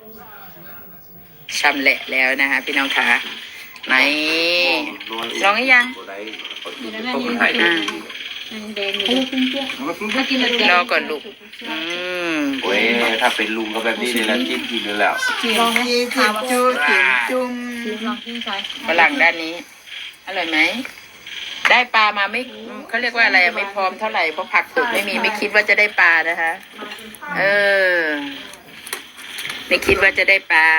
ชำแหละแล้วนะคะพี่น้องคะไหนลองหรือยังรอก่อนลูกโอ้ยถ้าเป็นลุงก็แบบนี้เลยแล้วกินเลยแล้วลองจีจุจุ่มฝรั่งด้านนี้อร่อยไหมได้ปลามาไม่เขาเรียกว่าอะไรไม่พร้อมเท่าไหร่เพราะผักตกไม่มีไม่คิดว่าจะได้ปลานะคะไม่คิดว่าจะได้ปลา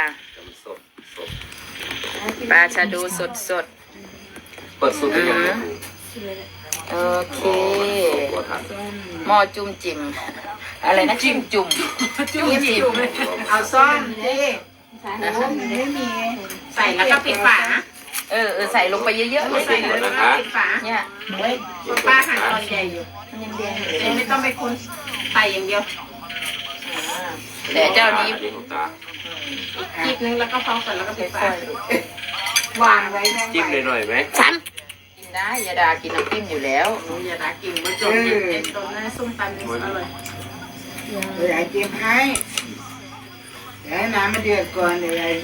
ปลาชาดูสดเปิดสูตรยังไงโอเคหม้อจุ่มจิ้มอะไรนะจิ้มจุ่มเอาซ่อมดิไม่มีใส่แล้วก็ปิดฝาใส่ลงไปเยอะๆใส่แล้วก็ปิดฝาเนี่ยป้าหั่นตอนใหญ่อยู่ไม่ต้องไปคนใส่อย่างเดียวแต่เจ้านี้จิบนึงแล้วก็พอก่อนแล้วก็ปิดฝาวางไว้จิ้มเลยหน่อยไหมกินได้ยาดากินน้ำจิ้มอยู่แล้วยาดากินมันจบเด็ดตรงนั้นส้มตำอร่อยยายจิ้มให้เดี๋ยวน้ำมันเดือดก่อนเดี๋ยวยาย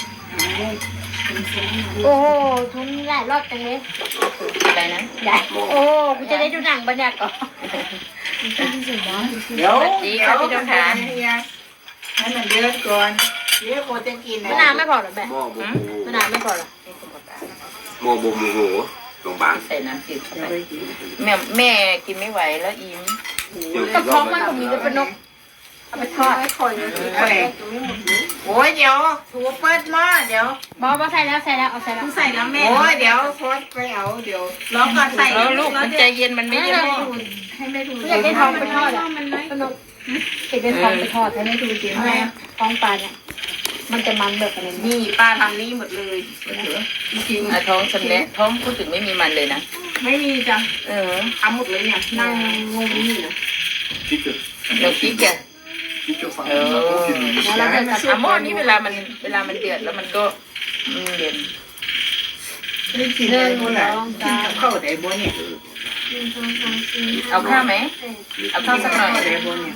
โอ้โหทุนหลายรอบจังเลยอะไรนะได้โอ้กูจะได้ดูหนังบรรยากาศเดี๋ยวดีครับพี่ต้องทานให้มันเดือดก่อนเดี๋ยวโคจะกินมะนาวไม่พอหรอแม่มะนาวไม่พอหรอโมโมโหลงบางใส่น้ำจืดแม่กินไม่ไหวแล้วอิ่มกระเพาะมันผมมีเป็นนกเอาไปทอดโอ้ยเดี๋ยวถูเปิดหม้อเดี๋ยวบอใส่แล้วเอาใส่แล้วใส่แล้วแม่โอ้ยเดี๋ยวโคตรไปเอาเดี๋ยวรอก่อนใส่แล้วลูกมันใจเย็นมันไม่ได้ให้แม่ดูอยากได้ทองไปทอดอ่ะเป็นนกอยากได้ทองไปทอดให้แม่ดูจริงแม่ท้องปลาเนี่ยมันจะมันแบบอะไรนี่ป้าทำนี่หมดเลยจริงท้องชำแหละท้องพูดถึงไม่มีมันเลยนะไม่มีจ้ะทำหมดเลยเนี่ยนั่งงงนี่นะเราคิดแกแล้วเราจะทำหม้อนี้เวลามันเดือดแล้วมันก็เย็นเดินหมดแล้วเข้าได้บ่เนี่ยเอาข้าวไหมเอาข้าวสักหน่อยได้บ่เนี่ย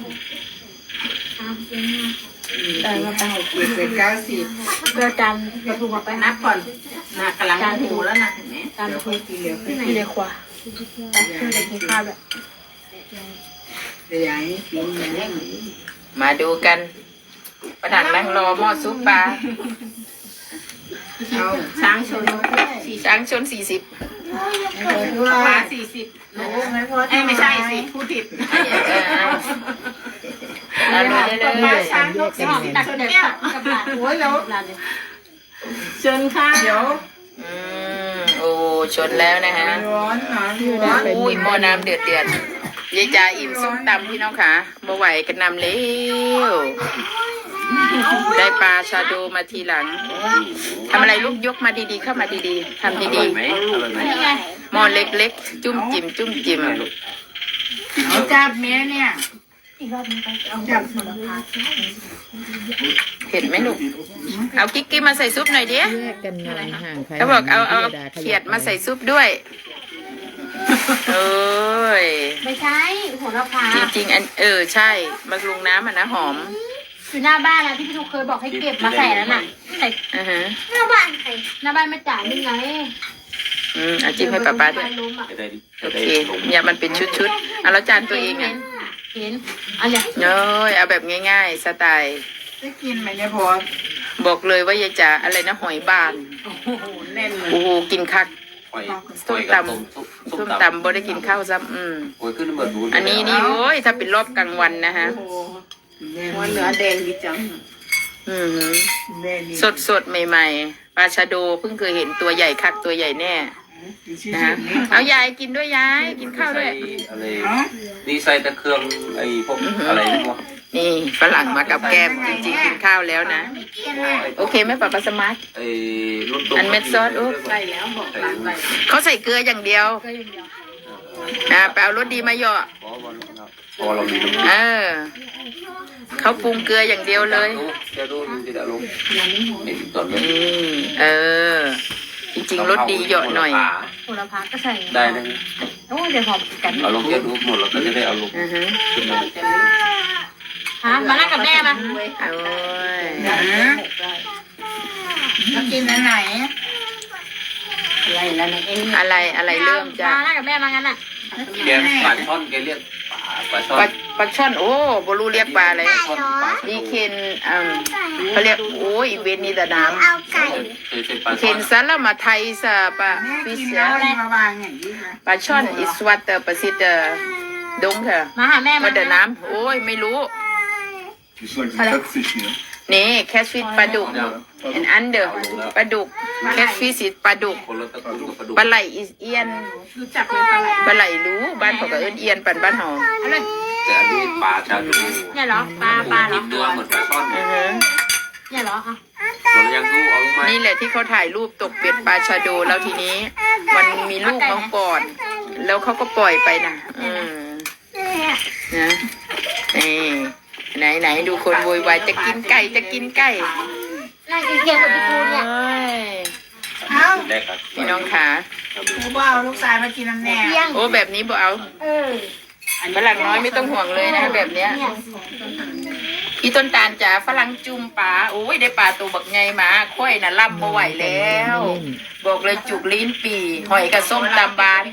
ได้มาตั้งเป็น90 เดือดจันกระทูมาไปนับก่อนนะกำลังหูแล้วนะเห็นไหมจานทูกี่เหลียวที่เลยขวาคือเลยกินข้าวแบบเดี๋ยวอย่างนี้กินอย่างนี้มาดูกันประธานนั่งรอหม้อซุปปลาช้างชนปลา 40ไม่ใช่สิพูดผิดเลยช้างตัดแก้วโอ้ยแล้วเชิญค่ะเดี๋ยวโอ้ชนแล้วนะฮะอุ้ยหม้อน้ำเดือดยายจ๋าอิ่มส้มตำพี่น้องค่ะบ่ไหวกันนำเร็วได้ปลาชาโดมาทีหลังทำอะไรลูกยกมาดีๆเข้ามาดีๆทำดีๆหม้อเล็กๆจุ่มจิ้มเอาจับเมียเนี่ยจับเห็นไหมลูกเอากิ๊กมาใส่ซุปหน่อยดิเขาบอกเอาเขียดมาใส่ซุปด้วยโอ้ยไม่ใช่โหระพาจริงใช่มะกรูดน้ำนะหอมอยู่หน้าบ้านนะที่พี่ทุกเคยบอกให้เก็บมาใส่แล้วน่ะใส่หน้าบ้านใครหน้าบ้านไม่จ่ายนี่ไงเอาจิ้มให้ป้าด้วยโอเคเนี่ยมันเป็นชุดเอาแล้วจานตัวเองเห็นอันเนี้ยเอาแบบง่ายๆสไตล์ได้กินไหมเนี่ยพอบอกเลยว่ายายจ๋าอะไรนะหอยบานโอ้โหแน่นเลยโอ้โหกินคักส้มตำบ่ได้กินข้าวซ้ำอันนี้นี่โอ้ยถ้าเป็นรอบกลางวันนะฮะวันเนื้อแดงดีจังสดใหม่ๆปลาชะโดเพิ่งเคยเห็นตัวใหญ่คักตัวใหญ่แน่นะฮะเอายายกินด้วยยายกินข้าวด้วยนี่ใส่แต่เครื่องไอ้พวกอะไรนี่ฝรั่งมากับแก้มจริงๆกินข้าวแล้วนะโอเคไหมป้าสมาร์ทอันเม็ดซอสใส่แล้วบอกร้านใส่เขาใส่เกลืออย่างเดียวไปเอารสดีมาเหยาะเขาปรุงเกลืออย่างเดียวเลยจริงๆรสดีเหยาะหน่อยโหระพาก็ใส่ได้นะโอ้เดี๋ยวหอมกันเอาลงเยอะดูหมดแล้วก็จะได้เอาลงฮะมานั่งกับแม่มาโอ้ยมากินอันไหนอะไรเริ่มจะมานั่งกับแม่มางั้นน่ะแกปลาช่อนแกเรียกปลาช่อปลาน ช่อนโอ้บรูเรียกปลาอะไรช่อนปลานี่เคนเขาเรียกโอ้ยเวนนี่แต่น้เคยเป็นปลาำเคช่อนนซาลามาไทยซะปลาแม่ฟิกิชนแล้วอะไรมาวางอย่างนี้นะปลาช่อนอิสวัตเตอร์ประสิทธิ์ดงเถอะมาหาแม่มามาเดินน้ำโอ้ยไม่รู้ Die soll die Catfish hier. นี่แคชฟิชปลาดุกอันเดอร์ปลาดุกแคชฟิชปลาดุกคนละตระกูลกับปลาดุกปลาไหลอีเอียนรู้จักเป็นปลาไหลปลาไหลรู้บ้านเขาก็เอิ้นเอียนปันบ้านเฮาอะไรแต่อันนี้ปลาชาดูเนี่ยเหรอปลาเหรกิอนเนื้อเหมือนปลาช่อนอือฮะเนี่ยเหรออ่ะส่วนยังกูเอาลงมานี่แหละที่เขาถ่ายรูปตกเป็ดปลาชาโดแล้วทีนี้ มันมีลูกน้องก่อน แล้วเขาก็ปล่อยไปนะนะไหนดูคนโวยวายจะกินไก่จะกินไก่นั่งกินเกี๊ยวกับพี่ปูเนี่ยเอ้ยเอ้าแรกครับพี่น้องขาหมูบ่าวลูกชายมากินน้ำแน่เที่ยงโอ้แบบนี้บ่เอาเออฝรั่งน้อยไม่ต้องห่วงเลยนะแบบเนี้ยเนี่ยพี่ต้นตาลจ๋าฝรั่งจุ่มปลาโอ้ยได้ปลาตัวบักไงมาค่อยน่ะล่ำบ่ไหวแล้ว บอกเลยจุกลิ้นปีหอยกับส้มตำบาน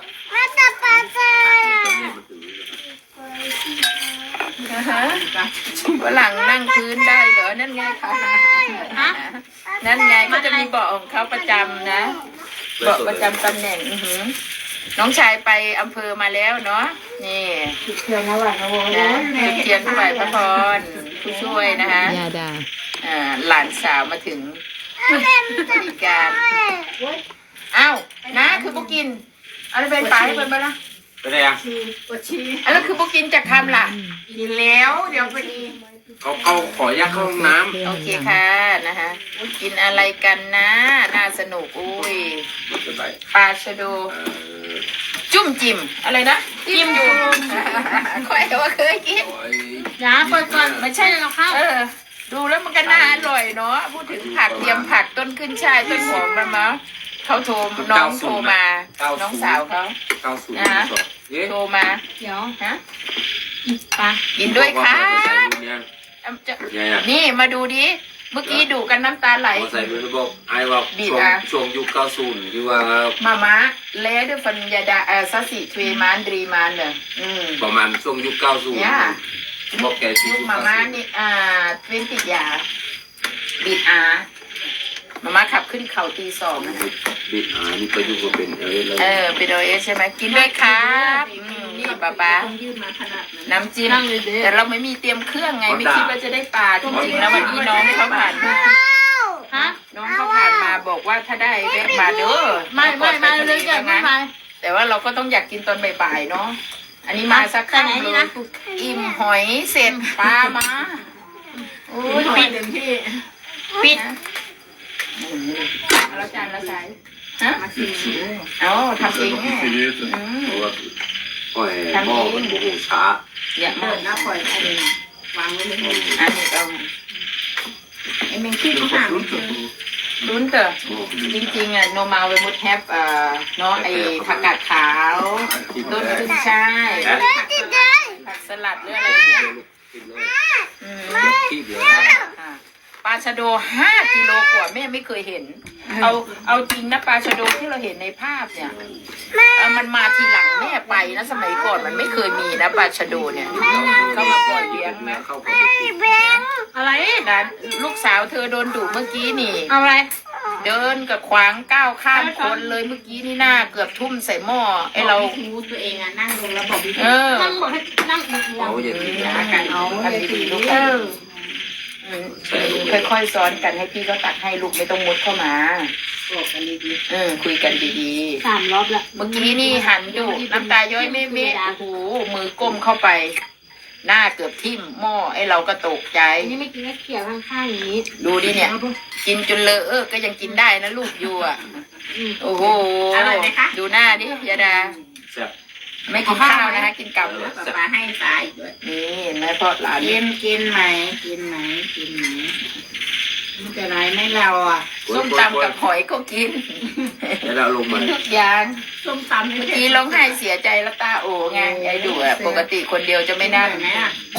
ฝรั่งนั่งพื้นได้เหรอนั่นไงค่ะนั่นไงก็จะมีเบาะของเขาประจำนะเบาะประจำตำแหน่งน้องชายไปอำเภอมาแล้วเนาะนี่เทียนแล้วว่ะโอ้โหนะจุดเทียนถวายพระพรผู้ช่วยนะคะหลานสาวมาถึงบริการอ้าวนะคือพวกกินเอาไปเป็นปลาให้เป็นบ้างนะไปไหนอ่ะปวดชีแล้วคือพวกกินจากคำล่ะกินแล้วเดี๋ยวพอดีเขาขอยักเข้าห้องน้โอเคค่ะนะคะกินอะไรกันนะน่าสนุกอุ้ยำมันจะไปปลาชะโดจุ่มจิ้มอะไรนะจิ้มอยู่ค่อยว่าเคยกินโอ้ยอย่าเปิดก่อนไม่ใช่เราเข้าดูแล้วมันก็น่าอร่อยเนาะพูดถึงผักเตรียมผักต้นขึ้นช่ายต้นหอมมามั้งเขาโทรน้องโทรมาน้องสาวเขา 90 เย้โทรมาเดี๋ยวฮะปลากินด้วยค่ะ จะยังไงอ่ะนี่มาดูดิเมื่อกี้ดูกันน้ำตาไหลใส่มือบอกไอ้ว่าบีบช่วงอ่ะช่วงยุค90ที่ว่ามาม่าแล้ด้วยฟันยาดาซัสซิทวีมานดรีมานเนี่ยประมาณช่วงยุค90 เนี่ยบอกแกชื่อลูกยุคมาม่านี่เว้นติดยาบีดอามาม่าขับขึ้นเขาตีสองนะคะบิดนี่ก็ยุคเป็นแล้วเป็นโอเอสใช่ไหมกินด้วยครับนี่ป๊าน้ำจิ้มแต่เราไม่มีเตรียมเครื่องไงไม่คิดว่าจะได้ปลาจริงๆแล้ววันนี้น้องเขาผ่านมาฮะน้องเขาผ่านมาบอกว่าถ้าได้แวะมาเด้อไม่เลยจ้ะไม่ไปแต่ว่าเราก็ต้องอยากกินตอนบ่ายๆเนาะอันนี้มาสักครั้งเลยอิ่มหอยเสร็จปลามาโอ้ยปิดปิดแล้วจานละสายฮะเอาทำเองเนี่ย Filete. เพราะว่าโอ้ยหม้อมันโอ้โหช้าอย่ามาเปิดหน้าปล่อยวางไว้เลยอันนี้เอาไอ้เมงคิดเขาหา ลุ้นเถอะจริงๆอ่ะโนมาเวมุดแฮปเนาะไอ้ผักกาดขาวต้นขึ้นช่ายผักสลัดหรืออะไรเนี่ยกินเลยอืมขี้เหลือปลาชะโด5 กิโลกว่าแม่ไม่เคยเห็น เอาจริงนะปลาชะโดที่เราเห็นในภาพเนี่ยมันมาทีหลังแม่ไปนะสมัยก่อนมันไม่เคยมีนะปลาชะโดเนี่ยเขามาปล่อยเลี้ยงนะเข้าไปอะไรนะลูกสาวเธอโดนดุเมื่อกี้นี่เอาอะไรเดินกับขวางก้าวข้ามคนเลยเมื่อกี้นี่หน้าเกือบทุ่มใส่หม้อไอเรารู้ตัวเองอ่ะนั่งลงแล้วบอกพี่นั่งบอกให้นั่งเอียเอาอย่างนี้นะกันเอาทำดีๆลูกค่อยๆซ้อนกันให้พี่ก็ตักให้ลูกไม่ต้องมุดเข้ามาบอกกันดีคุยกันดี 3 รอบละๆเมื่อกี้นี่หันดูน้ำตาย้อยเม็ดๆโอ้โหมือก้มเข้าไป หน้าเกือบทิ่มหม้อไอเราก็ตกใจอันนี้ไม่กินก็เขี่ยข้างๆอย่างนี้ดูดิเนี่ย กินจนเลอะก็ยังกินได้นะลูกอยู่อ่ะโอ้โหดูหน้าดิยาดาแซ่บไม่กินข้าวนะคะกินกับๆป้าให้สายด้วยนี่เห็นไหมพ่อหลานกินไหมกินไหมกินไหมมันจะไรไม่เราอ่ะส้มตำกับหอยก็กินแล้วเราลงกิมานทุกอย่างส้มตำเมื่อกี้ร้องไห้เสียใจแล้วตาโอไงยายดูอ่ะปกติคนเดียวจะไม่นั่งไหมอ่ะเอ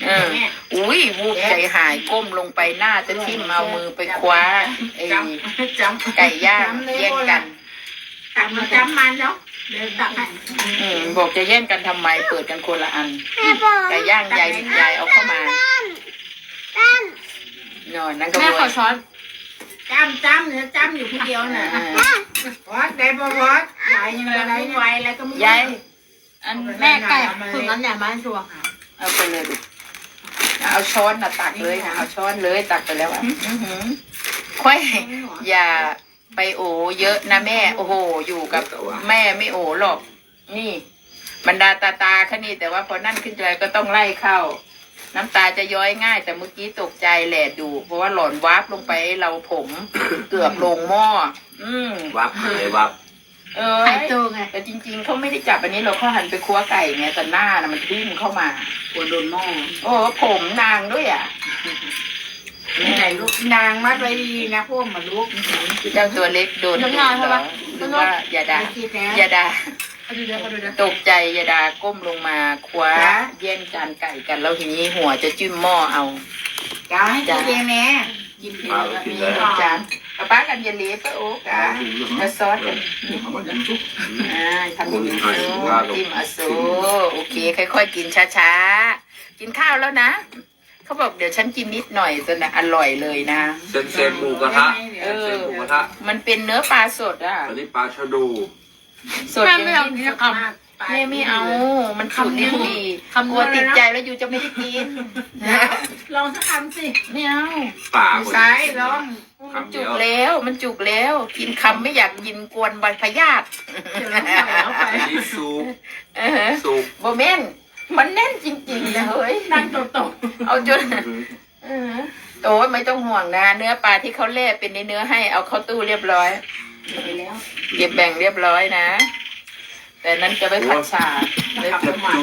อุ้ยวูบใจหายก้มลงไปหน้าจะทิ่มเอามือไปคว้าไอ้ไก่ย่างแย่งกันตักมาจำมันแล้วเดี๋ยวตักให้บอกจะแย่งกันทำไมเปิดกันคนละอันไก่ย่างยายเอาเข้ามานอนนั่งกระแม่บขวอน ช้อนจำเนี่ยจำอยู่คนเดียวน่ะวัดได้บ่วัดยายยังอะไรไม่ไหวแล้วก็ไม่ยายอันแม่ไก่ถึงนั้นเนี่ยมาชัวร์เอาไปเลยดิเอาช้อนน่ะตักเลยนะเอาช้อนเลยตักไปแล้วอ่ะค่อยอย่าไปโอเยอะนะแม่โอ้โหอยู่กับแม่ไม่โอหรอกนี่บรรดาตาแค่นี้แต่ว่าพอนั่นขึ้นใจก็ต้องไล่เข้าน้ำตาจะย้อยง่ายแต่เมื่อกี้ตกใจแหละดูเพราะว่าหล่อนวาบลงไปเราผมเกือบลงหม้อวับเลยวับไข่โตไงแต่จริงๆเขาไม่ได้จับอันนี้เราเขาหันไปคั่วไก่ไงแต่หน้าน่ะมันดิ้นเข้ามาควรโดนหม้อโอ้ผมนางด้วยอ่ะไหนลูกนางมัดไว้ดีนะพวกมาลูกเจ้าตัวเล็กโดนหรือว่าอย่าด่าคิดนะอย่าด่าดูเดี๋ยวดูเดี๋ยวตกใจอย่าด่าก้มลงมาคว้าแย่งจานไก่กันแล้วทีนี้หัวจะจิ้มหม้อเอากาวให้กินเองแน่กินเองมีจานป้ากันอย่าเลี้ยป้าโอ๊กะแล้วซอสกันทำอย่างนี้จิ้มอาโซโอเคค่อยๆกินช้าๆกินข้าวแล้วนะเขาบอกเดี๋ยวฉันกินนิดหน่อยจนอร่อยเลยนะเส้นหมูกระทะเส้นหมูกระทะมันเป็นเนื้อปลาสดอ่ะอันนี้ปลาชะดูสดอย่างนี้แม่ไม่เอา มันสุดลิ้นดีกลัวติดใจแล้วยูจะไม่ได้กินลองสักคำสิไม่เอาปลาซ้ายร้องมันจุกแล้วมันจุกแล้ว กินคำไม่อยากกินกวนใบพยาธิอันนี้ซุปซุปโบเมนมันแน่นจริงๆนะเฮ้ยนั่งโตเอาจนโอ้ยไม่ต้องห่วงนะเนื้อปลาที่เขาแล่เป็นในเนื้อให้เอาเข้าตู้เรียบร้อยเก็บแบ่งเรียบร้อยนะแต่นั้นจะไปผัดชาเลยเจ็บจุ๊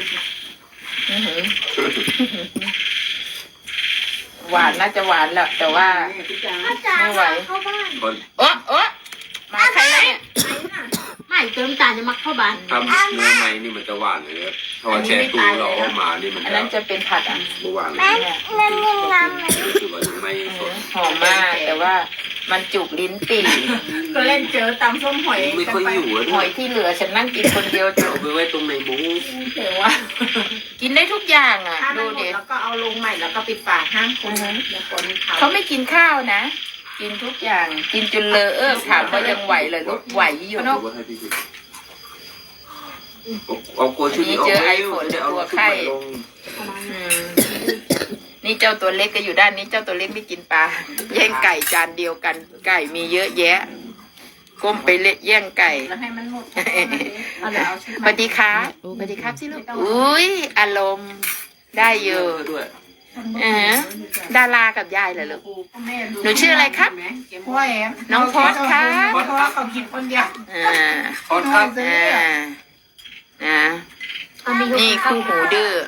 หวานน่าจะหวานแหละแต่ว่า ไม่ไหวเข้าบ้านคนโอ๊ะโอ๊ะมาใครแล้วเนี่ยไม่เติมตาจะมักเข้าบ้านทำเนื้อในนี่มันจะหวานเลยถ้าว่าแช่ตู้เราเอามานี่มันอันจะนั้นจะเป็นผัดอ่ะหวานเลย คือว่ายังไม่สดหอมมากแต่ว่ามันจุกลิ้นปี่ก็เล่นเจอตำส้มหอยไม่ค่อยอยู่แล้วหอยที่เหลือฉันนั่งกินคนเดียวจเอาบไปไว้ตรงในหมูเดี๋ยวว่ากินได้ทุกอย่างอ่ะถ้ามันดูหมดดิแล้วก็เอาลงใหม่แล้วก็ปิดฝาห้ามคนอย่าคนเขาเขาไม่กินข้าวนะ กินทุกอย่าง กินจนเลอะถามว่ายังไหวเลยลูกไหวอยู่เอาไว้ให้พี่กินเอาโกชุดนี้ออกไปเอาไข่อืมนี่เจ้าตัวเล็กก็อยู่ด้านนี้เจ้าตัวเล็กไม่กินปลาแย่งไก่จานเดียวกัน ไก่มีเยอะแยะ ก้มไปเละแย่งไก่แล้วให้มันหมดสวัสดีครับสวัสดีครับสิลูกอุ้ยอารมณ์ได้เยอะด้วยดารากับยายเหรอลูกหนูชื่ออะไรครับพ่อแอมน้องพอดค่ะเพราะว่าเขากินคนเดียวขอครับนี่คู่หูดื้อ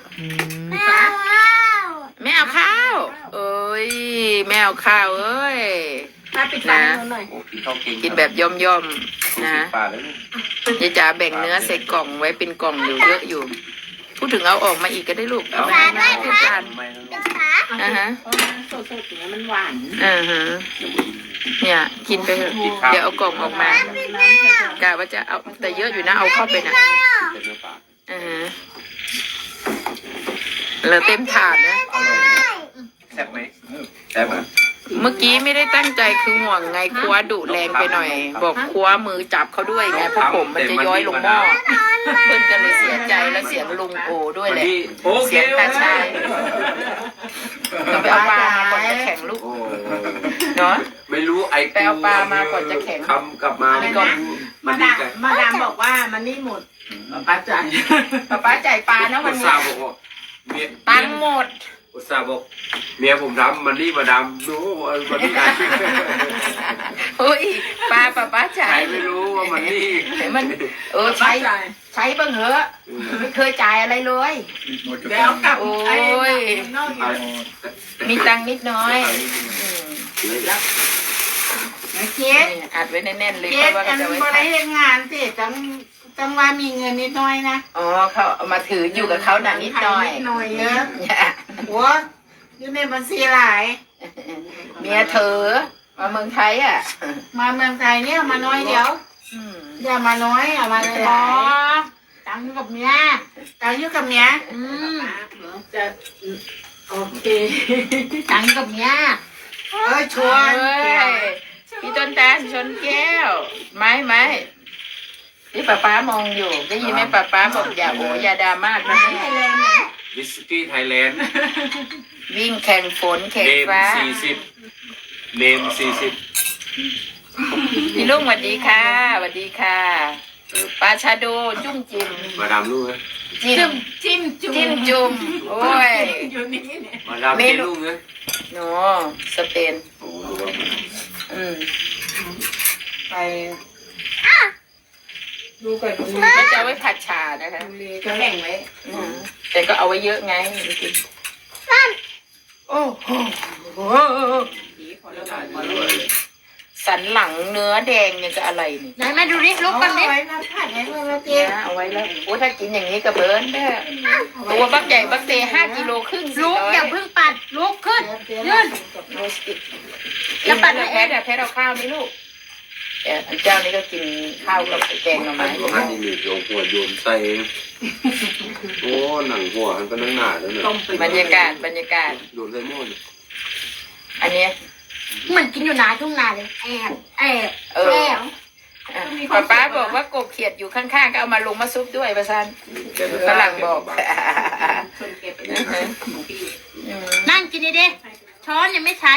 ไม่เอาข้าวเอ้ยไม่เอาข้าวเอ้ยถ้าปิดฝาหน่อยโอ้กินข้าวเก่งกินแบบย่อมๆนะปลาแล้วยายจ๋าแบ่งเนื้อใส่กล่องไว้เป็นกล่องอยู่เยอะอยู่ พูดถึงเอาออกมาอีกก็ได้ลูกเอามาให้จานไม่แล้วฮะสดๆอย่างนี้มันหวานฮะเนี่ยกินไปเถอะเดี๋ยวเอากล่องออกมากะว่าจะเอาแต่เยอะอยู่นะเอาเข้าไปนะเป็นเนื้อปลาเหลือเต็มถาดนะแซ่บไหมแซ่บไหมเมื่อกี้ไม่ได้ตั้งใจคือห่วงไงคว้าดุแรงไปหน่อย บอกคว้ามือจับเขาด้วยไงเพราะผมมันจะย้อยลงหม้อเพื่อนก็เลยเสียใจแล้วเสียงลุงโอด้วยแหละโอเคเสียงตาชายต้องไปเอาปลามาก่อนจะแข็งลูกโอ้เนาะไม่รู้ไอ้ไปเอาปลามาก่อนจะแข็งคำกลับมานี่ก็มาดามบอกว่ามันนี่หมดป้าจ่ายป้าจ่ายปลานะอุวันตนี้ส่าห์บอกว่าเมียตังค์หมดอุตส่าห์บอกเมียผมทำมันนี่มาดำดูมันนี่เฮ้ยป้าจ่าใครยไม่รู้ว่ามันนี่มันใช้บ้างเหอะไม่เคยจ่ายอะไรเลยเดี๋ยวกลับโอ้ยนอกอยู่มีตังค์นิดน้อยนะเจ๊อัดไว้แน่นๆเลยเจ๊เพราะว่าอันจะไว้บริเวณงานสิจังว่ามีเงินนิดหน่อยนะอ๋อเขาเอามาถืออยู่กับเขาหนักนิดหน่อยนิดหน่อยเนอะอย่าหัวอยู่ในบัญชีหลายเมียเธอมาเมืองไทยอ่ะมาเมืองไทยเนี่ยมาน้อยเดียวอืมอย่ามาน้อยอย่ามาหลายตังค์กับเมียตังอยู่กับเมียจะโอเคตังค์กับเมียชวนเฮ้ยพี่ต้นตาลชนแก้ว ไม้ที่ป้ามองอยู่ได้ยินไหมป้าบอกอย่าโออย่าดราม่านะแม่วิสกี้ไทยแลนด์วิ่งแข่งฝนแข่งเนมฟ้า 40เนม40 พี่ลุงสวัสดีค่ะสวัสดีค่ะปลาชาโดจุ้มจิ้มมาดามลูกนะจิ้มจุ่มโอ้ยมาดามเจลูกนะโนสเปนโอ้โหอืมไปดูก่อนดูมันจะเอาไว้ผัดชานะคะจะแบ่งไว้อืมแต่ก็เอาไว้เยอะไงโอ้โหสันหลังเนื้อแดงเนี่ยจะอะไรนี่ไหนมาดูดิลุกกันดิเอาไว้มาผัดให้เพื่อนมาเจ๊เนี่ยเอาไว้แล้วโอ้ถ้ากินอย่างนี้กับเบิร์นได้ตัวบักใหญ่บักเต5 กิโลครึ่งลุกอย่าเพิ่งปัดลุกขึ้นยื่นโรสติกแล้วปัดให้แพทย์แพทย์เอาข้าวนี่ลูกอันเจ้านี่ก็กินข้าวกับแกงหน่อไม้หัวหันนี่โยงหัวโยนใส่โอ้หนังหัวหันเป็นหนังหนาแล้วเนี่ยบรรยากาศโยนใส่หม้อเนี่ยอันเนี้ยเหมือนกินอยู่นาทุ่งนาเลยแอบเออป้าบอกว่ากบเขียดอยู่ข้างๆก็เอามาลงมาซุปด้วยประซันฝรั่งบอกนั่งกินดิช้อนยังไม่ใช้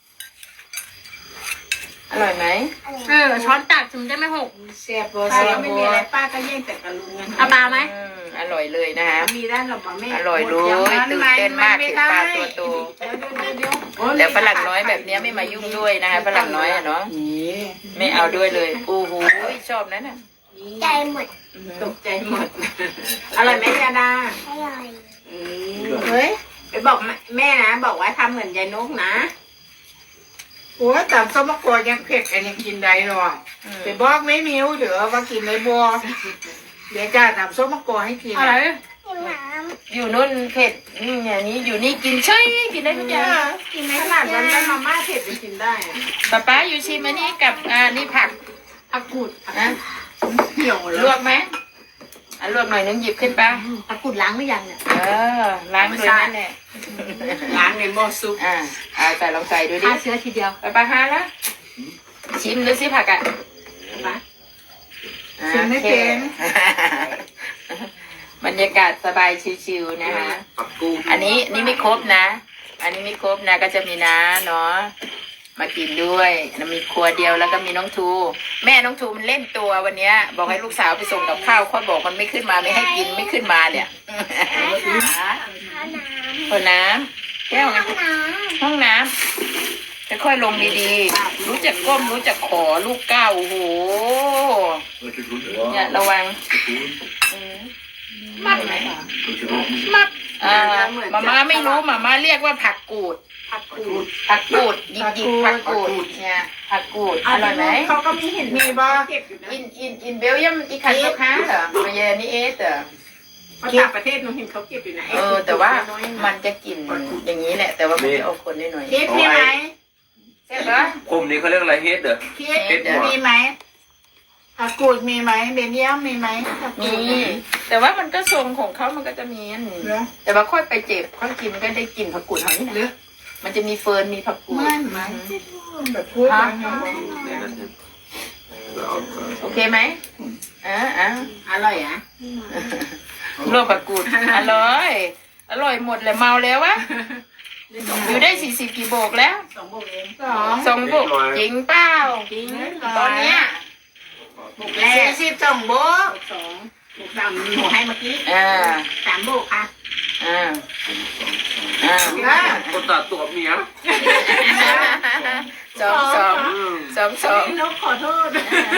อร่อยไหมช้อนตักถึงได้ไม่หกเสียบบัวเสียบบัวป้าก็แย่งแต่กระลุงเอาปลาไหมอร่อยเลยนะคะมีด้านหรอปะแม่อร่อยเลยตื่นเต้นมากเห็นปลาตัวโตแต่ฝรั่งน้อยแบบนี้ไม่มายุ่งด้วยนะคะฝรั่งน้อยอะเนาะไม่เอาด้วยเลยโอ้โหชอบนั้นน่ะใจหมดตกใจหมดอร่อยไหมยาดาอร่อยเฮ้ยไปบอกแม่นะบอกว่าทำเหมือนยายนกนะโอ้แต่ส้มมะกรูดยังเผ็ดอันนี้กินได้หรอไปบอกไม่มิ้วเดี๋ยวว่ากินในบัวเดี๋ยวจะทำส้มมะกรูดให้กินอะไรอยู่นู่นเผ็ดอย่างนี้อยู่นี่กินเฉยกินได้ทุกอย่างกินในขนาดนั้นแล้วมาม่าเผ็ดจะกินได้ป้าอยู่ชิมอันนี้กับนี่ผักผักกูดนะเหี่ยวลวกไหมลวกหน่อยนึงหยิบขึ้นไปตะกุดล้างหรือยังเนี่ยล้างด้วยนั่นแหละล้างในหม้อซุปใส่ลองใส่ดูดิฆ่าเชื้อทีเดียวป้าฮาละชิมดูสิผักอ่ะชิมไม่เป็นบรรยากาศสบายชิวๆนะคะผักกุ้งอันนี้ไม่ครบนะ อันนี้ไม่ครบนะก็จะมีน้าเนาะมากินด้วยมีครัวเดียวแล้วก็มีน้องทูแม่น้องทูมันเล่นตัววันเนี้ยบอกให้ลูกสาวไปส่งกับข้าวค่อยบอกมันไม่ขึ้นมาไม่ให้กินไม่ขึ้นมาเนี่ยคนน้ำแก้วห้องน้ำค่อยๆลงดีๆรู้จักก้มรู้จักขอลูกก้าวโอ้โห Lekker goed. เนี่ยระวังมัดไหม Lekker goed. มาม่าไม่รู้มาม่าเรียกว่าผักกูดผักกูดผักกูดหยิบผักกูดเนี่ยผักกูดอร่อยไหมเขาก็มีเห็นมีบ่อินเบลเยียมอีคันลูกค้าเหรอมาเยนี่เอสเหรอภาษาประเทศหนูเห็นเขาเก็บอยู่ไหนแต่ว่ามันจะกลิ่นอย่างนี้แหละ แต่ว่ามันจะเอาคนได้หน่อยเค้กมีไหมใช่ปะคมนี้เขาเรียกอะไรเฮดเหรอเค้กมีไหมผักกูดมีไหมเบนเยียมมีไหมมีแต่ว่ามันก็ทรงของเขามันก็จะมีอันแต่ว่าค่อยไปเจ็บค่อยกินก็ได้กลิ่นผักกูดเท่านี้นะมันจะมีเฟิร์นมีผักกูดไม่แบบพูดโอเคไหมอร่อยอ่ะลวกผักกูดอร่อยอร่อยหมดเลยเมาแล้ววะอยู่ได้40 กี่โบกแล้ว 2 โบกเอง 2 โบกจริงเปล่าจริงตอนเนี้ยโบกแรก42 โบก2 โบก3หนูให้เมื่อกี้3 โบกค่ะคนตัดตัวเมียสองนกขอโทษ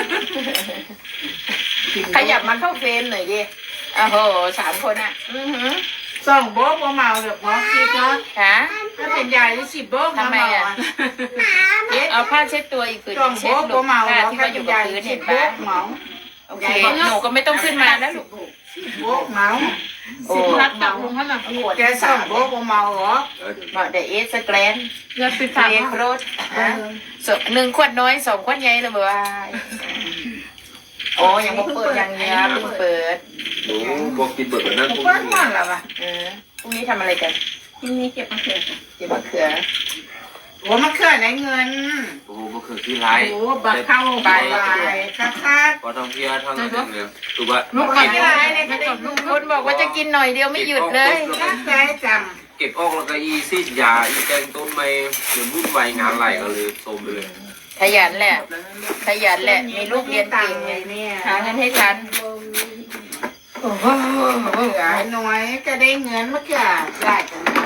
ขยับมาเข้าเฟรมหน่อยดิโอ้โห3 คนอ่ะ 2 โบกว่าเมาแบบพอคิดเนาะค่ะถ้าเป็นยายที่10 โบกทำไมอ่ะเอาผ้าเช็ดตัวอีกผืน 2 เช็โบดกลูว่าก เมาผ้าแล้วที่ถ้าเขาอเป็ยู่นกับยายพื้น 10 เห็นโบปะกเมาโอเคหนูก็ไม่ต้องขึ้นมาแล้วลูกโบกเมาโอ้รัดกับลุงเขาหน่อยแกสั่งโบกเมาเหรอบอกเดเอสแกรนเงินติดเสามรียกรถหนึ่งขวดน้อยสองขวดใหญ่เลยบ่ว่าโอ้ยังบ่เปิดยังเนี้ยเพิ่งเปิดโอ้บอกกินเบิดแบบนั้นพวกเปิ้ลนี้มันละวะพรุ่งนี้ทำอะไรกันที่นี่เก็บมะเขือเก็บมะเขือโอ้มันเคลื่อนไหนเงินโอ้มันคือที่ไรโอ้บักเข้าไปคักคักพอทำเพียทางนั้นเนี่ยถูกป่ะลูกคนที่ไรเนี่ยก็ได้ลูกคนบอกว่าจะกินหน่อยเดียวไม่หยุดเลยตั้งใจจเก็บออกแล้วก็อีซีดยาอีแกงต้นไม้เดี๋ยววุ่นวายงานไหลก็เลยโทมไปเลยขยันแหละ ขยันแหละ มีลูกเรียนตัเก่งงค์เลยเนี่ยหาเงินให้ทันโอ้โหเหลือน้อยก็ได้เงินเมื่อกี้ได้กัน